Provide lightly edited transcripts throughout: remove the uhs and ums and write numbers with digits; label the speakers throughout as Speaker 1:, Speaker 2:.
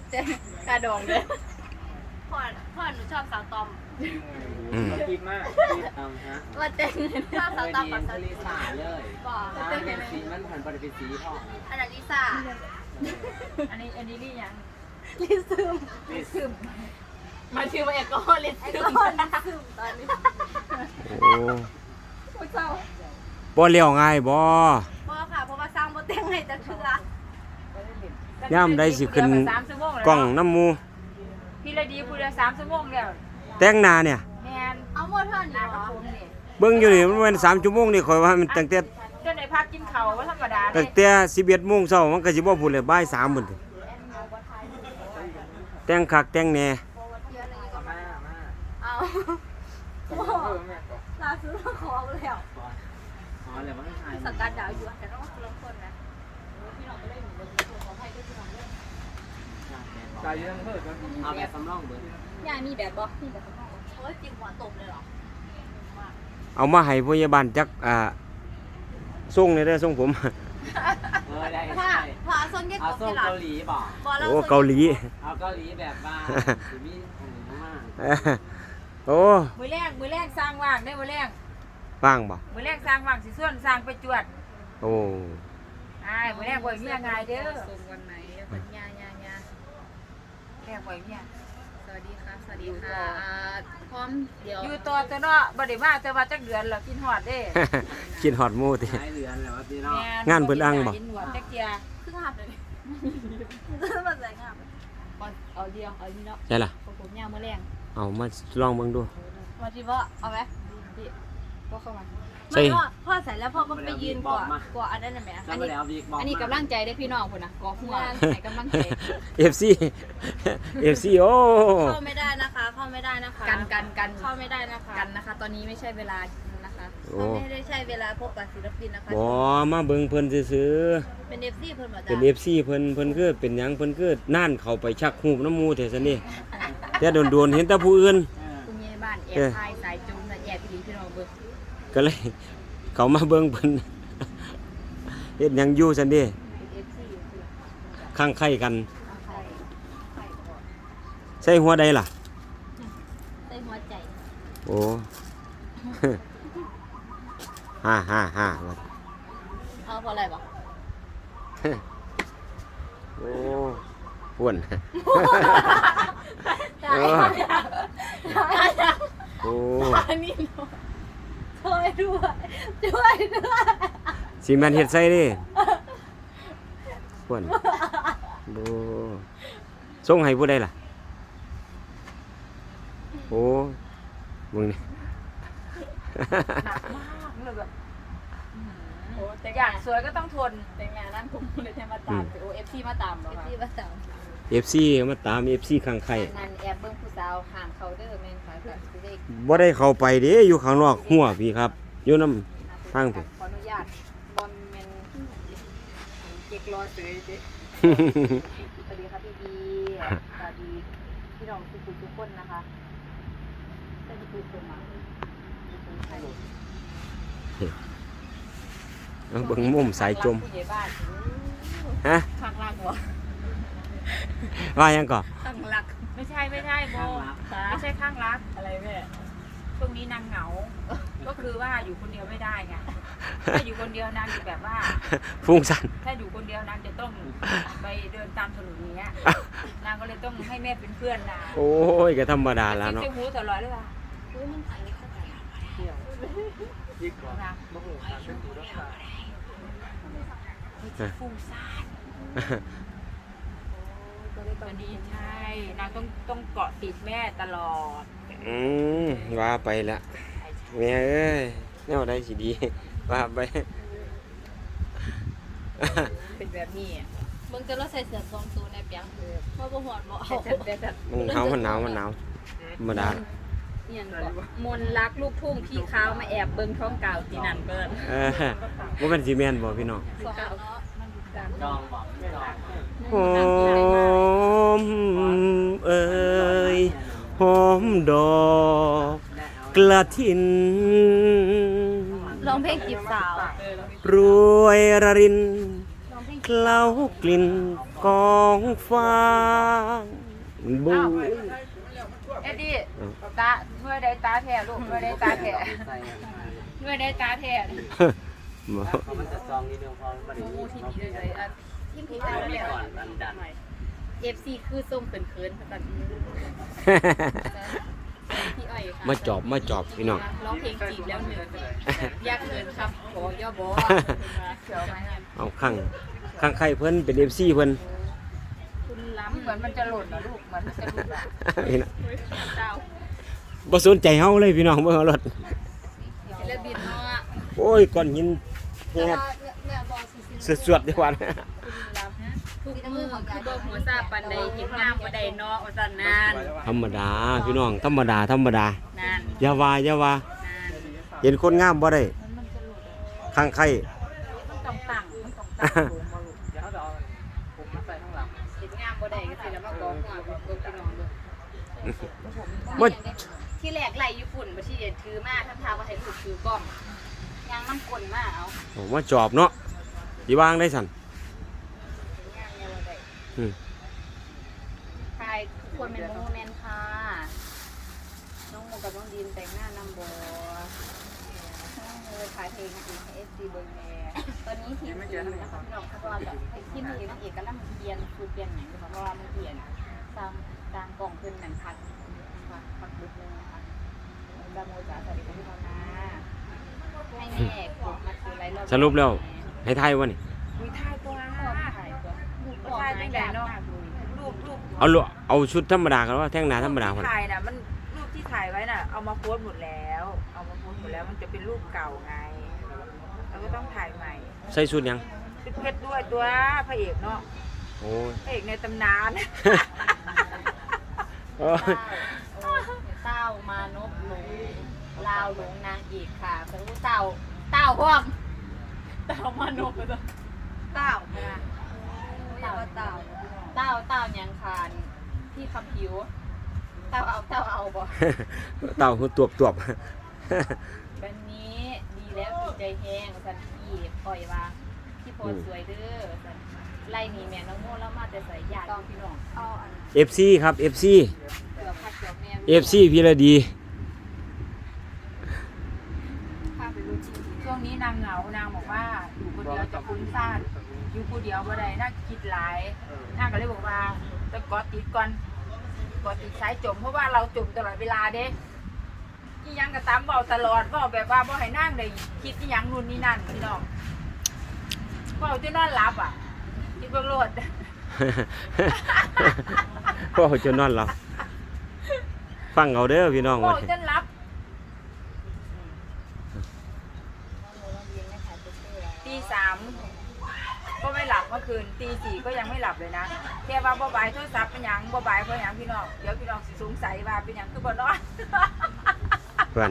Speaker 1: เจ๊กระดองเลยพ่อหนูชอบสาวตอม
Speaker 2: คิดมากฮะ
Speaker 1: ว่าเจ๊ชอบสาวตอมกับสาว
Speaker 2: ลิซ่าเลย
Speaker 1: บอก
Speaker 2: เป็นสีมันผ่านไปเป็นสีพ่อ
Speaker 1: อันนั้นลิซ่าอันนี้ลี่ยังลิซึมมาชื่อว่าเอกอลิซึมตอนนี้
Speaker 3: โอ้บ่เลี้ยวง่ายบ่
Speaker 1: ค่ะเพราะว่าสร้างบ่แต่งให้จะเชื่
Speaker 3: อย่ามได้สิขึ้นกล้องน้ำมู
Speaker 4: พี่ละดีพูดละ3 ชั่วโมงแล้ว
Speaker 3: แต่งหน้าเนี่ย
Speaker 4: แม่น
Speaker 1: เอาหมดเท่านี้กับผมนี่
Speaker 3: เบิ่งอยู่นี่มันเป็น3 ชั่วโมงนี่ข่อยว่ามันตั้งแต่
Speaker 4: จนได้พักกินข้าวว่าธรรมดา
Speaker 3: ตั้งแต่11 โมงเช้ามันก็สิบ่พูดเลยบ่าย 3พุ่นแต่งคักแต่งแหน่
Speaker 1: เอาล่าสุดเราขอแล้วสังกัดดาวอยู่แต่ต้องมาลงคนนะพี่น้องก็ได้หนูเลยขอให้ด้วยพี่น้องด้วย
Speaker 2: ตายยังเพิ่มเอาแบบสำรองเบิด
Speaker 1: ย่ามีแบบบ่มีแบบสำรองโอ้ยจริงหัวตบเลยเหรอ
Speaker 3: เอามาให้พยาบาลจักส่งเลยเด้อส่งผม
Speaker 2: ได้
Speaker 1: พาส่งยัง
Speaker 2: เอาส่งเกาหลีบ่
Speaker 3: โอ้เกาหลี
Speaker 2: เอาเกาหลีแบบว่าสิมีมาก
Speaker 3: โอ้
Speaker 4: มือแรกสร้างว่างได้มือแรก
Speaker 3: ว่างบ่
Speaker 4: มือแรกสร้างว่างสิส่วนสร้างไปจวด
Speaker 3: โอ้
Speaker 4: มือแรกบ่มีง่ายเด้อ
Speaker 1: ส่งวันไหนวันยา
Speaker 4: แรกบ่มี
Speaker 1: สวัสดีค่ะพร้อมเดี๋ยว
Speaker 4: อยู่ต่อเนาะบ่ได้มาแต่ว่าจักเดือนแล้วกินฮอดเด้
Speaker 3: กินฮอดหมู่ติ
Speaker 2: หลายเดือนแล้วว่าพี่น้อง
Speaker 3: งานเพิ่นอังบ่
Speaker 4: กินฮอดจักเที่ย
Speaker 1: คือหับเลยมาใส่งาม
Speaker 4: เอาเดียวเอานี่เนาะ
Speaker 3: ใช่ล่ะ
Speaker 4: ผมยาวมื้อแรง
Speaker 3: เอามาลองเบิ่งดู
Speaker 1: มาที่ว่าเอาไหม
Speaker 4: พี่ก็เข้ามา
Speaker 1: ไม่พ่อใส่แล้วพ่อก็ไปยืนกว่าอันนั้นน่ะแม่
Speaker 4: อันนี้กำลังใจได้พี่น้องพุ่นน่ะกอหัวให้กำลังใจ
Speaker 3: FC โอ้
Speaker 1: เข้าไม่ได้นะคะเข้าไม่ได้นะคะ
Speaker 4: กัน
Speaker 1: เข้าไม่ได้นะคะ
Speaker 4: กันนะคะตอนนี้ไม่ใช่เวลานะคะ
Speaker 1: ไม่ได้ใช่เวลาพบกับศิลปินนะคะ
Speaker 3: บ่มาเบิ่งเพิ่นซื่อ
Speaker 1: ๆเป็น FC เพิ่นบ่จ้ะ
Speaker 3: เป็น FC เพิ่นคือเป็นหยังเพิ่นคือน่านเข้าไปชักหูบน้ำมูแท้ซั่นนี่แต่โดนๆเห็นแต่ผู้อื่น
Speaker 4: ผู้ใหญ่บ้านแอบถ่ายสายจุ่มน่ะแอบพี่น้องเบิ่ง
Speaker 3: ก็เลยเขามาเบิ่งเพิ่นเฮ็ดหยังอยู่ซั่นเด้ข้างไข่กันใส่หัวใดล่ะ
Speaker 1: ใส่หัวใจ
Speaker 3: โอ้ฮ่า
Speaker 1: เอาพออะไรบ่
Speaker 3: โอ้ป่วนโอ้
Speaker 1: อันนี้ช่วยด้วย
Speaker 3: สิแม่นเฮ็ดใส่เด้ป่วนโอ้ส่งให้ผู้ใดล่ะโอ้มึงนี่
Speaker 4: โอ้แต่อยากสวยก็ต้องทนแต่งานนั้นผมเลยจะมาตามโอเอฟซีมาตามเหรอคะ
Speaker 3: FC มาตาม FC ข้างไข่
Speaker 4: นั่นแอบเบิ่งผู้สาวห่างเขาเด้อแม่นค่ะสิได้
Speaker 3: บ่ได้เข้าไปเด้อยู่ข้างนอกหัวพี่ครับอยู่นำทางพี่
Speaker 4: ขออนุญาตบอมแม่นเก็กรอเสยเด้สวัสดีค่ะพี่บีสวัสดีพี่น้องทุกคนนะคะได้ทุกคนมา
Speaker 3: เบิ่งมุมสายจมฮะ
Speaker 4: ข้างล่างบ่
Speaker 3: ว่ายังก่อ
Speaker 4: ข้างรักไม่ใช่โบไม่ใช่ข้างรักอะไรแม่ช่วงนี้นางเหงาก็คือว่าอยู่คนเดียวไม่ได้ไงถ้าอยู่คนเดียวนางจะแบบว่า
Speaker 3: ฟุ้งซ่าน
Speaker 4: ถ้าอยู่คนเดียวนางจะต้องไปเดินตามถนนอย่างเงี้ยนางก็เลยต้องให้แม่เป็นเพื่อนนาง
Speaker 3: โอ้ยก็ธรรมดาแล้วเนาะ
Speaker 4: จะหูตลอดเลยว่ะ
Speaker 1: มันใส่ไม่เข้าใจ
Speaker 2: ยิ่งกว่าบ่ฮู้การเป็นผู้รักษา
Speaker 4: ฟุ้งซ่านตอนนี้ใช่นางต้องเกาะติดแม่ตลอด
Speaker 3: ว่าไปละแม่เอ้ยแนวใดสิดีว่าไป
Speaker 4: เป็นแบบนี้
Speaker 1: มึงจะเราใส่เสื้อ2ตัวในเปียงเพราะบ่ฮอดบ่เอา
Speaker 3: มันหนาวธรรมดา
Speaker 4: มนรักลูกทุ่งพี่เขามาแอบเบิ่งท้องเก่าที่นั่นเบิ่น
Speaker 3: บ่เป็นสิแม่นบ่พี่น้อง
Speaker 2: จองบ่จอง
Speaker 3: หอมเอ่ยหอมดอกกระถิน
Speaker 1: ร้องเพลงจีบสาว
Speaker 3: รวยระรินเคล้ากลิ่นกของฟ้าบู
Speaker 1: เอ็ดดี้ตาเมื่อได้ตาแท้ลูกเมื่อได้ตาแท้
Speaker 2: ใส่
Speaker 1: เมื่อได้ตาแท้
Speaker 2: เขามันจะซองนิดนึงพอมัน
Speaker 1: มูที่มีเลยที่มีได้
Speaker 2: มี
Speaker 1: แล้ว
Speaker 2: ก่อนดันดัน
Speaker 1: FC คือส่งเขินๆตอนพี่อ้อยค่ะ
Speaker 3: มาจอบพี่น้อง
Speaker 1: ร้องเพลงจีบแล้วเหนื่อยยากเกินครับขอย่อบอเขียวมาเนี่ย
Speaker 3: เอาข้างใครเพิ่นเป็น FC เพิ่น
Speaker 1: คุณล้ำเหมือนมันจะหล่นนะลูกเหมือนมันจะหลุดอ่ะ
Speaker 3: นี่นะ
Speaker 1: เจ้า
Speaker 3: บ่สนใจเฮาเลยพี่น้องเบิ่งเอารถ
Speaker 1: ศิลปินเนาะ
Speaker 3: โอ้ยก้อนหินแฮดสวดๆดีกว่านะ
Speaker 1: คุณล้ำทุกมือคือบ่หัวซาปันใดเห็นงามบ่ได้เนาะว่าซั่นนาน
Speaker 3: ธรรมดาพี่น้องธรรมดา
Speaker 1: นาน
Speaker 3: อย่าว่า
Speaker 1: นาน
Speaker 3: เห็นคนงามบ่ได้
Speaker 1: มันจะหลุดอ่ะ
Speaker 3: ข้างใคร
Speaker 1: มันต้องตั้งสูงบ่ลูก
Speaker 2: เดี๋ยวเขาจะเอาผมมาใส่ข้างหลัง
Speaker 1: เห็นงามบ่ได้ก็สิแล้วมากองหัวเบิ่งพี่น้องเด้อ
Speaker 3: บ่
Speaker 1: ที่แรกไล่ญี่ปุ่นบ่ที่ถือมาทำทาว่าให้ลูกถือกล้องยางน้ำกลนมาเอา
Speaker 3: ผมว่าจอบเนาะสิวางได้สั่น
Speaker 1: งามเนี่ยบ่ได้
Speaker 3: อืม
Speaker 1: ทายทุกคนเป็นโมเมนต์ค่ะน้องโมกับน้องดินแต่งหน้านำบ่น้องโมขายเพลงให้ FC เบิ่งแน่ตอนนี้ทีมนะคะพี่น้องเพราะว่าทีมนี้นางเอกกำลังเปลี่ยนสูตรเปลี่ยนหยังอยู่เพราะว่ามันเปลี่ยนตามกล่องเพิ่นหนังพัดบึกนึงนะคะบาโมจ๋าสวัสดีค่ะพี่น้องนะให้แม่กดมาซื้อไรรอบ
Speaker 3: สรุปแล้วให้ทายวะนี่
Speaker 1: มีท่าตัวถ่ายตัวลูกถ่ายตั้งแต่เนาะรูป
Speaker 3: เอาชุดธรรมดากันว่าแท่งหนาธรรมดา
Speaker 5: ที่
Speaker 3: พุ่น
Speaker 5: ถ่ายน่ะมันรูปที่ถ่ายไว้น่ะเอามาโพสต์หมดแล้วมันจะเป็นรูปเก่าไงเราก็ต้องถ่ายใหม่
Speaker 3: ใส่ชุดหยัง
Speaker 5: ชุดเพชรด้วยตัวพระเอกเนาะ
Speaker 3: โอ้ย
Speaker 5: พระเอกในตำนาน
Speaker 3: โอ้ย
Speaker 1: เต้ามานพหลงลาวหลงนางเอกค่ะเป็นผู้เต้าพวกเต้ามานพเลย
Speaker 4: เต้าค่ะเรียกว่าเต้า
Speaker 1: เต้ายังคานที่คำผิวเต้าเอาบ่
Speaker 3: เต่าคือตวบ
Speaker 1: วันนี้ดีแล้วดีใจแห้งสันพี่ปล่อยว่าพี่โพสสวยเด้อสันไล่หนีแม่น้องโม่แล้วมาแต่ใส่ยาต้องพี่น้อง
Speaker 4: เอาอัน
Speaker 3: FC ครับ FC
Speaker 1: เกือบพักเกือบแม่
Speaker 3: FC พี่ละดี
Speaker 1: ข้าไปรู้จริง
Speaker 5: ช่วงนี้นางเหงานางบอกว่าอยู่คนเดียวจะฟุ้งซ่านอยู่คนเดียวบ่ได้น่าคิดหลายนางก็เลยบอกว่าจะกอติดก่อนกอติดสายจมเพราะว่าเราจมตลอดเวลาเด้ที่ยังกระตามเบาตลอดเบาแบบว่าบ่ให้นั่งเลยคิดที่ยังนู่นนี่นั่นพี่น้องเบาจนนอนหลับอ่ะคิดเบิ่งโลด
Speaker 3: พ่อจนนอนหลับฟังเอาเด้อพี่น้อง
Speaker 5: เบา
Speaker 3: ว่า
Speaker 5: จนหลับตี 3ก็ไม่หลับเมื่อคืนตี 4ก็ยังไม่หลับเลยนะแค่ว่าบ่บายโทรศัพท์เป็นหยังบ่บายเพราะหยังพี่น้องเดี๋ยวพี่น้องสิสงสัยว่าเป็นหยังคือบ่นอน
Speaker 3: เพื่อน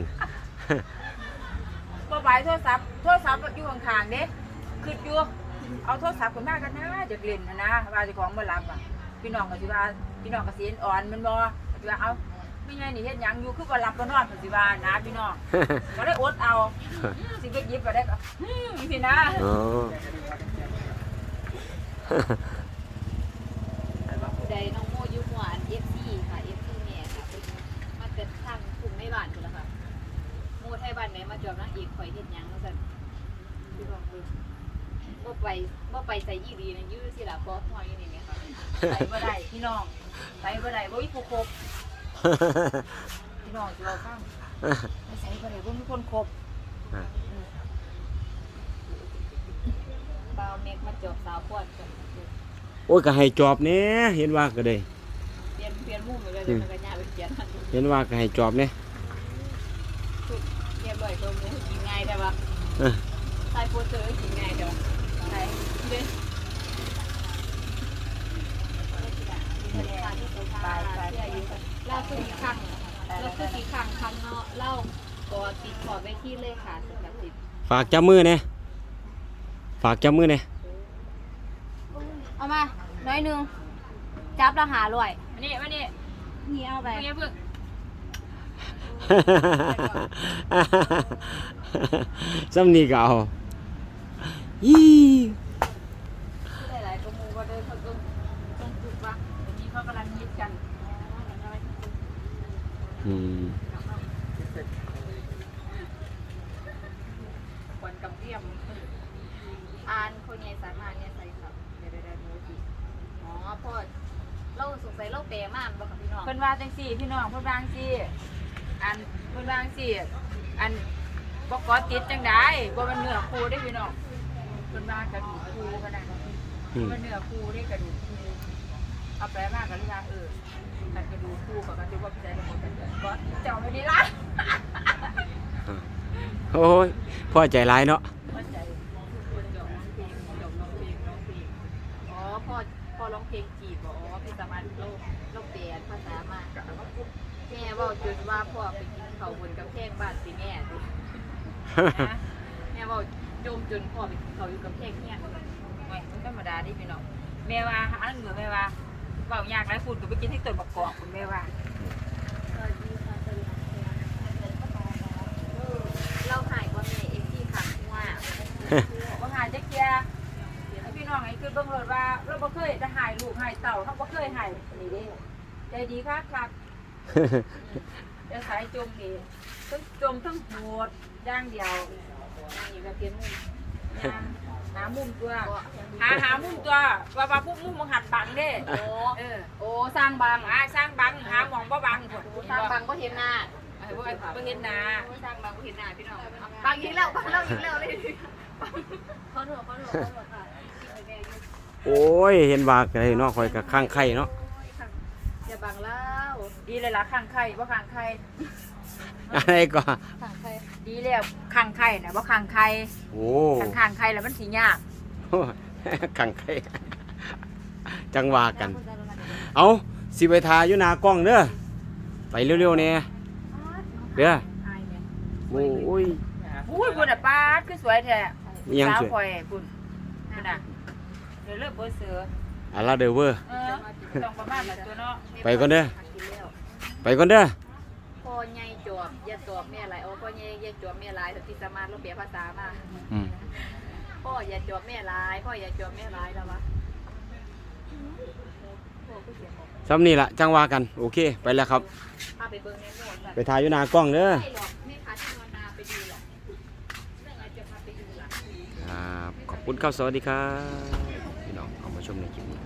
Speaker 5: บ่บายโทรศัพท์อยู่ข้างๆเด้คืออยู่เอาโทรศัพท์ขึ้นมากันนะจะเล่นนะว่าเจ้าของบ่หลับอ่ะพี่น้องก็สิว่าพี่น้องก็สิอ่อนมันบ่ก็สิว่าเอาไม่ไงนี่เฮ็ดหยังอยู่คือบ่หลับบ่นอนก็สิว่านะพี่น้องก็เลยอดเอาสิไปหยิบก็ได้ก็สินะ
Speaker 3: อ๋อ
Speaker 1: ใดน้องโมยุหวาน FC ค่ะ FC แม่ค่ะเป็นมาเกิดทางกลุ่มในบ้านคุณละค่ะโมไทยบ้านไหนมาจอบนางเอกข่อยเฮ็ดหยังว่าซั่นพี่น้องคือบ่ไปใส่ยี่ดีนะยื้อสิล่ะบ่ฮออยู่นี่แม่ค่ะ
Speaker 5: ไปบ่ได้พี่น้องไปบ่ได้บ่มีผู้คบพี่น้องสิเอาฟังไปใส่บ่ได้บ่มีคนคบ
Speaker 1: บ่าวเมกมาจอบสาวพวดกัน
Speaker 3: โอ้ยก็ให้จอบแหน่เห็นว่าก็ได้
Speaker 1: เปลี่ยนมุมไปเลยเดี๋ยวมันก็ย่าไปเปลี่ยนมัน
Speaker 3: เห็นว่าก็ให้จอบแหน่
Speaker 1: ชุดเรียบร้อยตัวหมูกินง่ายแต่ว่า
Speaker 3: เออ
Speaker 1: ใส่โปสเตอร์กินง่ายแต่ว่าใส่เด้เล่าคือกี่ครั้งเราคือกี่ครั้งเนาะเล่าก็ติดขอไปที่เลยค่ะสำหรับติด
Speaker 3: ฝากจับมือแหน่ฝากจับมือแหน่
Speaker 4: เอามาน้อยหนึงจับแล้วหาลอย
Speaker 1: มานี่
Speaker 4: นี่เอาไป
Speaker 1: เพิ่งเพิ่ง
Speaker 3: ซ้ำนี่ก็เอายี่
Speaker 1: หลายๆตัวมูก็เดินเขาต้อง
Speaker 5: เขากำลังฮิตกัน
Speaker 3: อืม
Speaker 5: ควันกับเทียม
Speaker 1: อ่านคนใหญ่สามารถเนี่ยใส่ครับเดี๋ยวโมจิอ๋อพ่อเราสงสัยเราแปลมากบ่ค่ะพี่น้อง
Speaker 5: เพิ่นว่าจังซี่พี่น้องเพิ่นว่าจังซี่อันเพิ่นว่าจังซี่อันบ่กอติดจังได๋บ่มันเนื้อคู่ได้พี่น้องเพิ่นว่ากระดูกคู่ขนาดนั้น
Speaker 3: อืม
Speaker 5: มันเนื้อคู่ได้กระดูกคู่เอาแปลมากกันเลยว่ามันกระดูกคู่กับกระดูกว่าพี่ใจทั้งหมดก็เจ้าไม่ได้ละ
Speaker 3: โอ้ยพ่อใจร้ายเนาะ
Speaker 5: เข้าใจคนจบน้องเพลง
Speaker 1: อ๋อพ่อร้องเพลงจีบอ๋อพี่สามารถเราแปลภาษามาแม่เว่าจนว่าพ่อไปกินเขาวบนกำแพงบ้านสิแม่ดิ
Speaker 5: นะ
Speaker 1: แม่เว่าจมจนพ่อไปกินเขาวอยู่กำแพงเนี่ย
Speaker 5: ไม่ธรรมดาดิพี่น้องแม่ว่าหาเหนือแม่ว่าเบายากไรพูดก็ไปกินให้ต้นประกอบคุณแม่ว่า
Speaker 1: สวัสดีค่ะสวัสดีเราหายกว่าแม่เองที่ขังว่า
Speaker 5: ว่าหายจักเกียพี่น้องไอ้คือเบิ่งรถว่าเราบ่เคยจะหายลูกหายเต่าเขาบ่เคยหายนี่เด้ใจดีครับครับจะสายจมนี่ทั้งจมทั้งโหดย่างเดียว
Speaker 1: อยู่กับเพียงมุม
Speaker 5: ย่างหามุมตัวหามุมตัวว่าพวกมุมมันหัดบังเด้
Speaker 1: โอ้
Speaker 5: โอ้สร้างบังสร้างบังหาหมองบ่บังพุ่น
Speaker 1: สร้างบังก็เห็นหน้า
Speaker 5: บ่เห็นหน้า
Speaker 1: สร้างบังก็เห็นหน้าพี่น้องบังอีกแล้วบังเราอีกแล้วเลยขอโทษค่ะ
Speaker 3: โอ้ยเห็นว่าอะไรเนาะคอยกับข้างไข่เนาะ
Speaker 1: อย่าบังเล่า
Speaker 5: ดีเลยล่ะข้างไข่บ่ข้างไข่
Speaker 3: อะไรก็
Speaker 1: สั่งใคร
Speaker 5: ดีแล้วข้างไข่น่ะบ่ข้างไข่
Speaker 3: โอ้
Speaker 5: ข้างไข่แล้วมันสิยาก
Speaker 3: ข้างไข่จังหวะกัน เอาสิไปทาอยู่หนากล้องเด้อไปเร็วๆเนี่ยเด้อ
Speaker 5: อายแม่
Speaker 3: โอ้ย
Speaker 5: อุ้ยพุ่นน่ะป้าดคือสวยแท้
Speaker 3: มียัง
Speaker 5: สาว
Speaker 3: สวย
Speaker 5: ข่อยพุ่นน่ะเดี๋ยวเลิกเบอร์เสือ
Speaker 3: อะลาเดอเวอร์
Speaker 5: ต้องประมาณนั้นตัวเนาะ
Speaker 3: ไปก่อนเด้อไปก่อนเด้อ
Speaker 1: พ่อใหญ่จวบอย่าจวบแม่หลายโอ้พ่อใหญ่อย่าจวบแม่หลายที่สามารถเราเปลี่ยนภาษามา
Speaker 3: อืม
Speaker 1: พ่ออย่าจวบแม่หลายพ่ออย่าจวบแม่หลายแล้ววะ
Speaker 3: ซ้ำนี่ละจังหวะกันโอเคไปแล้วครับ
Speaker 1: พาไปเบิ่งในโหมด
Speaker 3: ไปทาอยู่หนากล้องเด้อ
Speaker 1: ไม่หรอกไม่พาที่นอนนาไปดูหรอกเรื่องอะไรจะพาไปดูล่ะ
Speaker 3: ครับขอบคุณครับสวัสดีครับพี่น้องเอามาชมในคลิปนี้